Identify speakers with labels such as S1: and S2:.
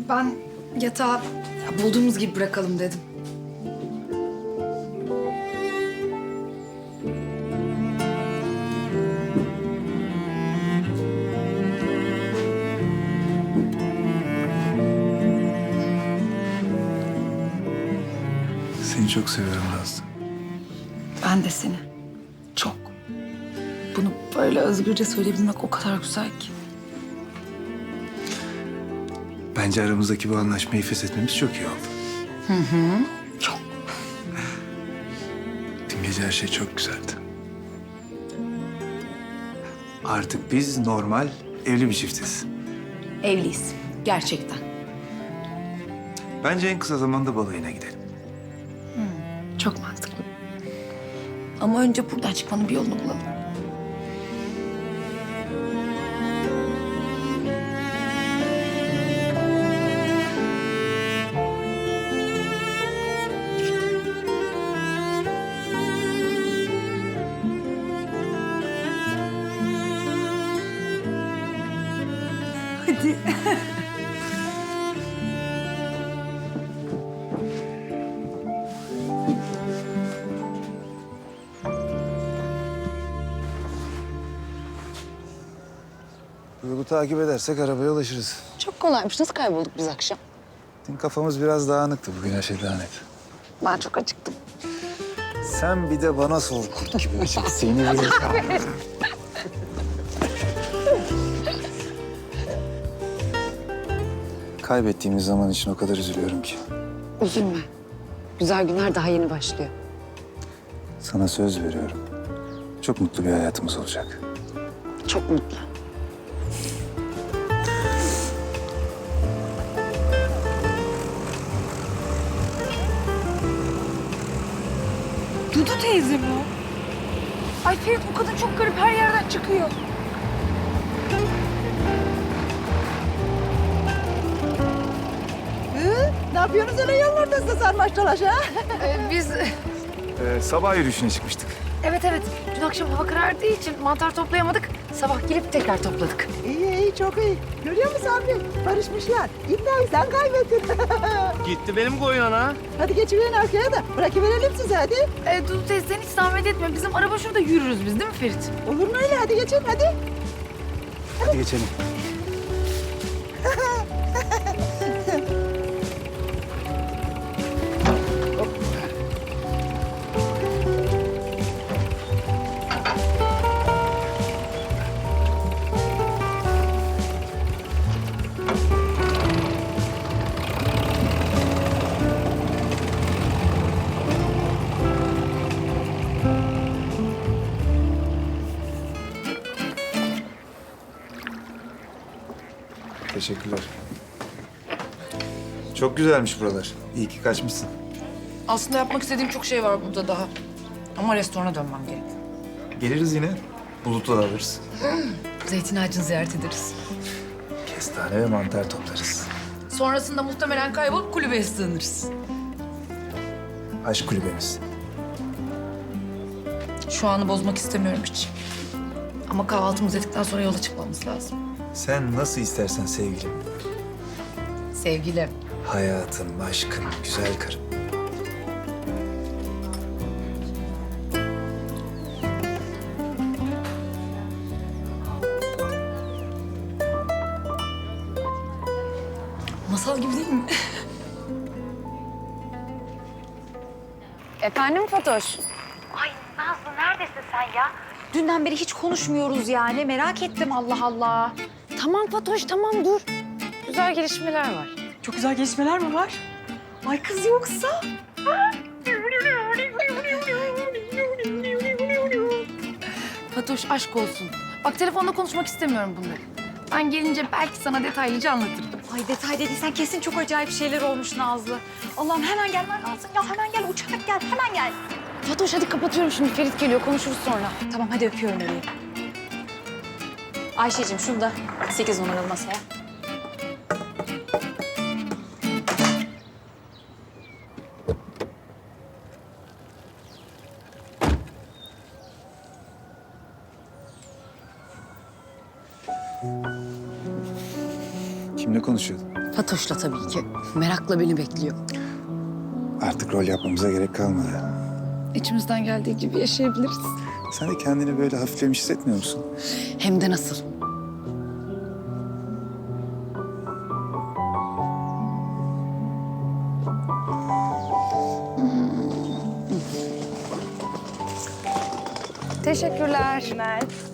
S1: Ben yatağı bulduğumuz gibi bırakalım dedim.
S2: Seni çok seviyorum Nazlı.
S1: Ben de seni. Çok. Bunu böyle özgürce söyleyebilmek o kadar güzel ki.
S2: Bence aramızdaki bu anlaşmayı feshetmemiz çok iyi oldu.
S1: Çok.
S2: Dün gece her şey çok güzeldi. Artık biz normal evli bir çiftiz.
S1: Evliyiz. Gerçekten.
S2: Bence en kısa zamanda balayına gidelim.
S1: Çok mantıklı. Ama önce buradan çıkmanın bir yolunu bulalım. Hadi.
S2: Yolu takip edersek arabaya ulaşırız.
S3: Çok kolaymış. Nasıl kaybolduk biz akşam?
S2: Dün kafamız biraz dağınıktı. Bugün her şey daha net.
S3: Ben çok acıktım.
S2: Sen bir de bana sor kurt gibi açık. Seni bile... Kaybettiğimiz zaman için o kadar üzülüyorum ki.
S3: Üzülme. Güzel günler daha yeni başlıyor.
S2: Sana söz veriyorum. Çok mutlu bir hayatımız olacak.
S3: Çok mutlu.
S1: Dudu teyze mi o? Ay Ferit, bu kadın çok garip, her yerden çıkıyor.
S4: Ne yapıyorsunuz öyle yollarda sarmaş dolaş ha?
S1: Biz...
S2: Sabah yürüyüşüne çıkmıştık.
S1: Evet. Dün akşam hava karardığı için mantar toplayamadık. Sabah gelip tekrar topladık.
S4: İyi çok iyi. Görüyor musun abi? Barışmışlar. İddiayı sen kaybettin.
S5: Gitti benim koyun ana.
S4: Hadi geçiverin arkaya da bırakıverelim sizi hadi.
S1: Dudu teyze, sen hiç zahmet etme. Bizim araba şurada, yürürüz biz, değil mi Ferit?
S4: Olur mu öyle? Hadi geçin hadi.
S2: Hadi geçelim. Teşekkürler. Çok güzelmiş buralar. İyi ki kaçmışsın.
S1: Aslında yapmak istediğim çok şey var burada daha. Ama restorana dönmem gerek.
S2: Geliriz yine. Bulut'u da alırız.
S1: Zeytin ağacını ziyaret ederiz.
S2: Kestane ve mantar toplarız.
S1: Sonrasında muhtemelen kaybolup kulübeye sığınırız.
S2: Aşk kulübemiz.
S1: Şu anı bozmak istemiyorum hiç. Ama kahvaltımızı ettikten sonra yola çıkmamız lazım.
S2: Sen nasıl istersen sevgilim.
S1: Sevgilim.
S2: Hayatım, aşkım, güzel karım.
S1: Masal gibi değil mi?
S3: Efendim Fatoş?
S6: Ay Nazlı, neredesin sen ya?
S3: Dünden beri hiç konuşmuyoruz yani. Merak ettim Allah Allah. Tamam Fatoş tamam dur.
S1: Güzel gelişmeler var.
S4: Çok güzel gelişmeler mi var? Ay kız yoksa?
S1: Fatoş, aşk olsun. Bak, telefonda konuşmak istemiyorum bunları. Ben gelince belki sana detaylıca anlatırım.
S3: Ay detay dediysen kesin çok acayip şeyler olmuş Nazlı. Allah'ım hemen gelmen lazım ya. Hemen gel uçarak gel. Hemen gel.
S1: Fatoş, hadi kapatıyorum şimdi. Ferit geliyor, konuşuruz sonra.
S3: Tamam hadi öpüyorum bebeğim. Ayşe'cim şunu da 8 numaralı masaya.
S2: Kimle konuşuyordun?
S7: Fatoş'la tabii ki. Merakla beni bekliyor.
S2: Artık rol yapmamıza gerek kalmadı.
S1: İçimizden geldiği gibi yaşayabiliriz.
S2: Sen de kendini böyle hafiflemiş hissetmiyor musun?
S7: Hem de nasıl.
S1: Teşekkürler.